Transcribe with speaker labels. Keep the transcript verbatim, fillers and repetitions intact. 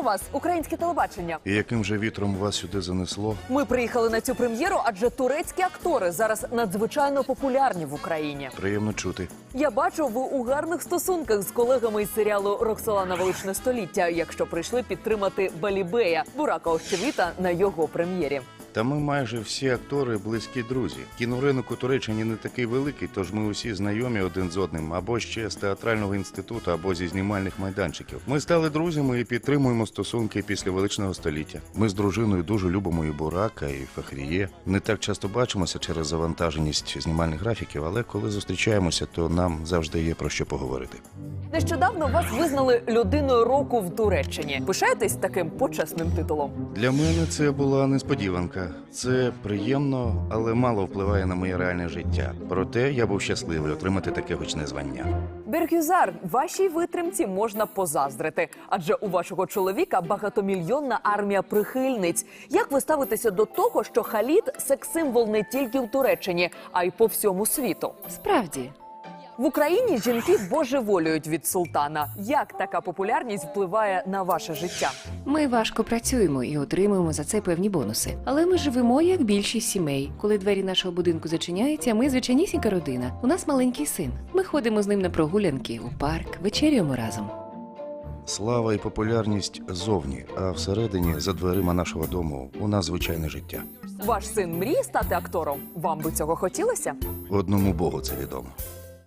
Speaker 1: вас українське телебачення.
Speaker 2: І яким же вітром вас сюди занесло?
Speaker 1: Ми приїхали на цю прем'єру, адже турецькі актори зараз надзвичайно популярні в Україні.
Speaker 2: Приємно чути.
Speaker 1: Я бачу, ви у гарних стосунках з колегами із серіалу «Роксолана. Величне століття», якщо прийшли підтримати Балібея, Бурака Озчивіта, на його прем'єрі.
Speaker 2: Та ми майже всі актори близькі друзі. Кіноринок у Туреччині не такий великий, тож ми усі знайомі один з одним, або ще з театрального інституту, або зі знімальних майданчиків. Ми стали друзями і підтримуємо стосунки після Величного століття. Ми з дружиною дуже любимо і Бурака, і Фахріє. Не так часто бачимося через завантаженість знімальних графіків, але коли зустрічаємося, то нам завжди є про що поговорити.
Speaker 1: Нещодавно вас визнали людиною року в Туреччині. Пишаєтесь таким почесним титулом?
Speaker 2: Для мене це була несподіванка. Це приємно, але мало впливає на моє реальне життя. Проте я був щасливий отримати таке гучне звання.
Speaker 1: Бергюзар, вашій витримці можна позаздрити. Адже у вашого чоловіка багатомільйонна армія прихильниць. Як ви ставитеся до того, що Халід – секс-символ не тільки в Туреччині, а й по всьому світу?
Speaker 3: Справді.
Speaker 1: В Україні жінки божеволюють від султана. Як така популярність впливає на ваше життя?
Speaker 3: Ми важко працюємо і отримуємо за це певні бонуси. Але ми живемо, як більшість сімей. Коли двері нашого будинку зачиняються, ми звичайнісінька родина. У нас маленький син. Ми ходимо з ним на прогулянки, у парк, вечерюємо разом.
Speaker 2: Слава і популярність зовні, а всередині, за дверима нашого дому, у нас звичайне життя.
Speaker 1: Ваш син мріє стати актором? Вам би цього хотілося?
Speaker 2: Одному Богу це відомо.